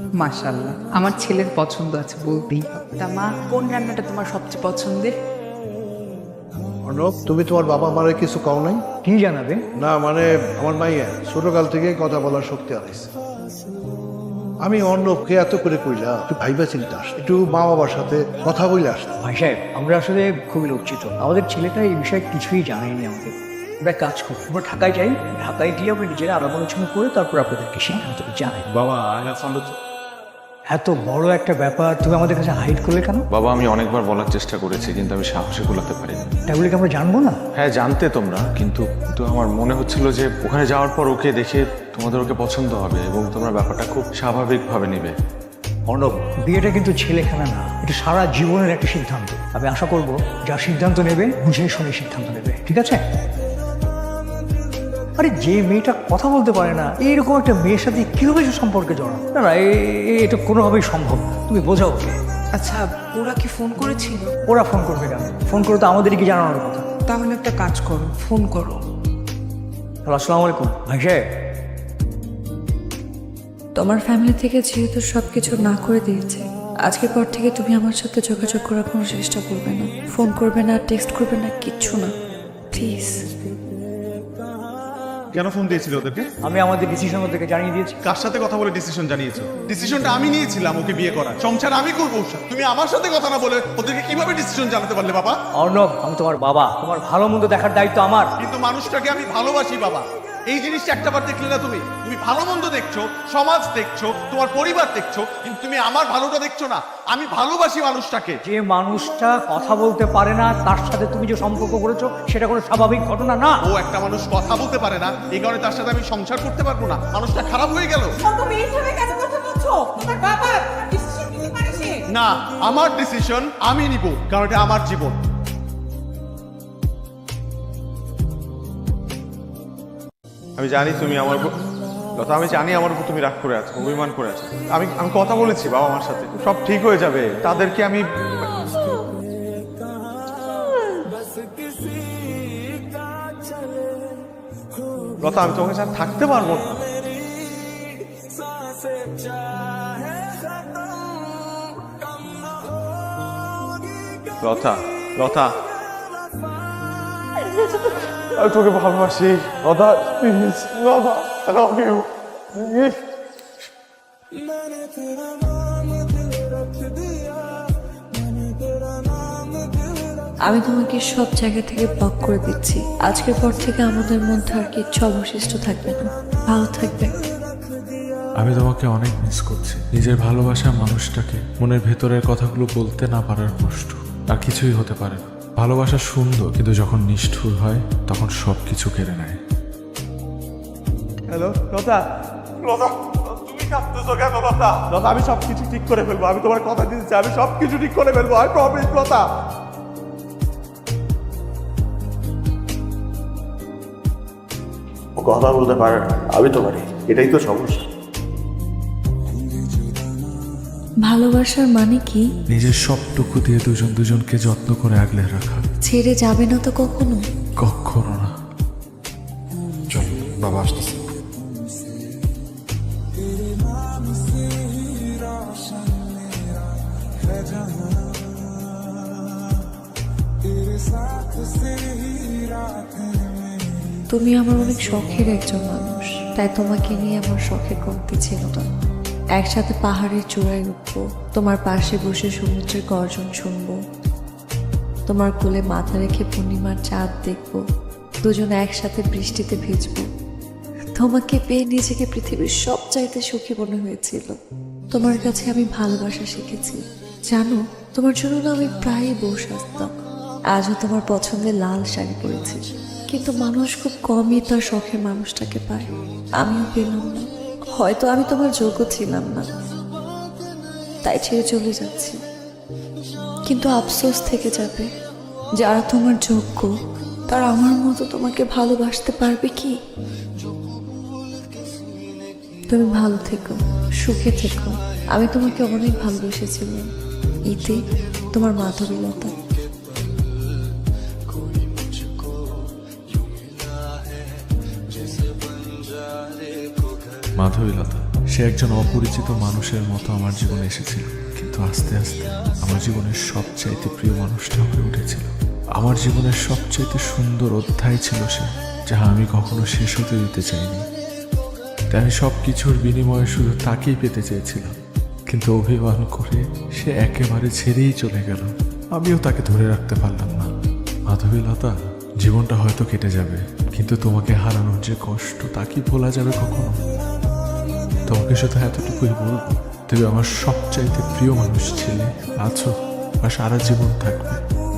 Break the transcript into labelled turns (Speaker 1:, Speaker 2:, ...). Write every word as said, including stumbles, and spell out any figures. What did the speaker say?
Speaker 1: মাশাআল্লাহ, আমার ছেলের পছন্দ আছে বলতেই হবে। তা মা, কোন রান্নাটা তোমার সবচেয়ে পছন্দের?
Speaker 2: অর্ণব, তুমি তোমার বাবা মারে কিছু কও নাই?
Speaker 3: কি জানাবে?
Speaker 2: না মানে আমার মাইয়া ছোটকাল থেকে কথা বলার শক্তি হারাইছে। আমি অর্ণবকে এত করে কইলা একটু ভাইবা চিন্তা আস, একটু মা বাবার সাথে কথা বলে আসতে।
Speaker 3: ভাই সাহেব, আমরা আসলে খুবই লজ্জিত। আমাদের ছেলেটা এই বিষয়ে কিছুই জানায়নি আমাদের। আমরা কাজ করি, আমরা ঢাকায় যাই, ঢাকায় গিয়ে আমরা নিজেরা আলাপ আলোচনা করে তারপর আপনাদেরকে সিদ্ধান্তটা জানাই।
Speaker 4: বাবা আই হ্যাভ ফাউন্ড
Speaker 3: এত বড় একটা ব্যাপার তুমি আমাদের কাছে হাইড করলে কেন?
Speaker 4: বাবা আমি অনেকবার বলার চেষ্টা করেছি কিন্তু আমি সাহসে কুলাতে পারিনি।
Speaker 3: তাহলে কি আমরা জানবো না?
Speaker 4: হ্যাঁ জানতে তোমরা, কিন্তু তো আমার মনে হচ্ছিল যে ওখানে যাওয়ার পর ওকে দেখে তোমাদের ওকে পছন্দ হবে এবং তোমরা ব্যাপারটা খুব স্বাভাবিকভাবে নেবে।
Speaker 3: অর্ণব, বিয়েটা কিন্তু ছেলেখানা না, এটা সারা জীবনের একটা সিদ্ধান্ত। আমি আশা করবো যা সিদ্ধান্ত নেবে বুঝে শুনে সিদ্ধান্ত নেবে, ঠিক আছে? আরে যে মেয়েটা কথা বলতে পারে না, এইরকম একটা মেয়ের সাথে কিভাবে সে সম্পর্কে জড়া? না না, এ- এ- এটা কোনোভাবেই সম্ভব না। তুমি বোঝাও ওকে।
Speaker 1: আচ্ছা, ওরা কি ফোন করেছিল?
Speaker 3: ওরা ফোন করবে কেন? ফোন করে তো আমাদেরকে জানানোর কথা।
Speaker 1: তাহলে একটা কাজ করো, ফোন করো।
Speaker 3: হ্যালো, আসসালামু আলাইকুম ভাই সাহেব।
Speaker 5: তোমার ফ্যামিলি থেকে যেহেতু সব কিছু না করে দিয়েছে, আজকের পর থেকে তুমি আমার সাথে যোগাযোগ করার কোনো চেষ্টা করবে না, ফোন করবে না, টেক্সট করবে না, কিচ্ছু না, প্লিজ।
Speaker 6: কেন ফোন দিয়েছিল ওদেরকে?
Speaker 3: আমি আমাদের ডিসিশন ওদেরকে জানিয়ে দিয়েছি।
Speaker 6: কার সাথে কথা বলে ডিসিশন জানিয়েছো? ডিসিশনটা আমি নিয়েছিলাম ওকে বিয়ে করার, সংসার আমি করবো। তুমি আমার সাথে কথা না বলে ওদেরকে কিভাবে ডিসিশন জানাতে পারলে বাবা?
Speaker 3: অর্ণব, আমি তোমার বাবা, তোমার ভালো মন্দ দেখার দায়িত্ব আমার।
Speaker 6: কিন্তু মানুষটাকে আমি ভালোবাসি বাবা। এই জিনিসটা একটাবার দেখলে না তুমি? তুমি ভালো মন্দ দেখছো, সমাজ দেখছো, তোমার পরিবার দেখছো, কিন্তু তুমি আমার ভালোটা দেখছো না। আমি ভালোবাসি মানুষটাকে।
Speaker 3: যে মানুষটা কথা বলতে পারে না তার সাথে তুমি যে সম্পর্ক করেছো সেটা কোনো স্বাভাবিক ঘটনা না।
Speaker 6: ও একটা মানুষ কথা বলতে পারে না, এই কারণে তার সাথে আমি সংসার করতে পারবো না। মানুষটা খারাপ হয়ে গেল। না, আমার ডিসিশন আমি নিব, কারণ এটা আমার জীবন। আমি জানি তুমি আমার উপর লতা, আমি জানি আমার উপর তুমি রাগ করে আছো, অভিমান করে আছো। আমি আমি কথা বলেছি বাবা মার সাথে, সব ঠিক হয়ে যাবে। তাদেরকে আমি লতা, আমি তোমাকে ছাড়া থাকতে পারবো না। লতা, লতা, আমি তোকে ভালোবাসি Lata, please Lata, I love you, please.
Speaker 5: আমি তোমাকে সব জায়গা থেকে ব্লক করে দিচ্ছি। আজকের পর থেকে আমাদের মধ্যে আর কিচ্ছু অবশিষ্ট থাকবে না। ভালো থাকবে।
Speaker 7: আমি তোমাকে অনেক মিস করছি। নিজের ভালোবাসার মানুষটাকে মনের ভেতরের কথাগুলো বলতে না পারার কষ্ট আর কিছুই হতে পারে না। ভালোবাসা সুন্দর, কিন্তু যখন নিষ্ঠুর হয় তখন সব কিছু কেড়ে নেয়।
Speaker 6: হ্যালো লতা, লতা তুমি কাঁদতেছো কেন লতা? লতা, আমি সবকিছু ঠিক করে ফেলবো, আমি তোমার কথা দিচ্ছি, আমি সবকিছু ঠিক করে ফেলবো, আই প্রমিস লতা।
Speaker 8: ও কথা বলতে পারে না, আমি তো পারি, এটাই তো সমস্যা।
Speaker 5: ভালোবাসার মানে কি?
Speaker 7: নিজের সবটুকু দিয়ে দুজন দুজনকে যত্ন করে আগলে রাখা।
Speaker 5: ছেড়ে যাবে না তো কখনো?
Speaker 7: কখনো না।
Speaker 2: চল, বাবা আসতেছে।
Speaker 5: তুমি আমার অনেক শখের একজন মানুষ, তাই তোমাকে নিয়ে আমার শখের কমতি ছিল না। একসাথে পাহাড়ের চূড়ায় উঠবো, তোমার পাশে বসে সমুদ্রের গর্জন শুনবো, তোমার কোলে মাথা রেখে পূর্ণিমার চাঁদ দেখবো, দুজনে একসাথে বৃষ্টিতে ভিজবো। তোমাকে পেয়ে নিজেকে পৃথিবীর সবচাইতে সুখী মনে হয়েছিল। তোমার কাছে আমি ভালোবাসা শিখেছি। জানো, তোমার জন্য না আমি প্রায়ই বসে আসতাম। আজও তোমার পছন্দের লাল শাড়ি পরেছি, কিন্তু মানুষ খুব কমই তার শখের মানুষটাকে পায়। আমিও পেলাম না। হয়তো আমি তোমার যোগ্য ছিলাম না, তাই ছেড়ে চলে যাচ্ছি। কিন্তু আফসোস থেকে যাবে, যারা তোমার যোগ্য তারা আমার মতো তোমাকে ভালোবাসতে পারবে কি? তুমি ভালো থেকো, সুখে থেকো। আমি তোমাকে অনেক ভালোবেসেছিলাম। ইতি, তোমার মাধবীলতা।
Speaker 7: মাধবীলতা। সে একজন অপরিচিত মানুষের মতো আমার জীবনে এসেছিল, কিন্তু আস্তে আস্তে আমার জীবনের সবচাইতে প্রিয় মানুষটা হয়ে উঠেছিল। আমার জীবনের সবচাইতে সুন্দর অধ্যায় ছিল সে, যা আমি কখনো শেষ হতে দিতে চাইনি। তাই আমি সব কিছুর বিনিময়ে শুধু তাকেই পেতে চেয়েছিলাম, কিন্তু অভিমান করে সে একেবারে ছেড়েই চলে গেল। আমিও তাকে ধরে রাখতে পারলাম না। মাধবীলতা, জীবনটা হয়তো কেটে যাবে, কিন্তু তোমাকে হারানোর যে কষ্ট তা কি ভোলা যাবে কখনো? তোমাকে শুধু এতটুকুই বলবো, তুমি আমার সবচাইতে প্রিয় মানুষ ছিলে, আছো আর সারা জীবন থাকবে।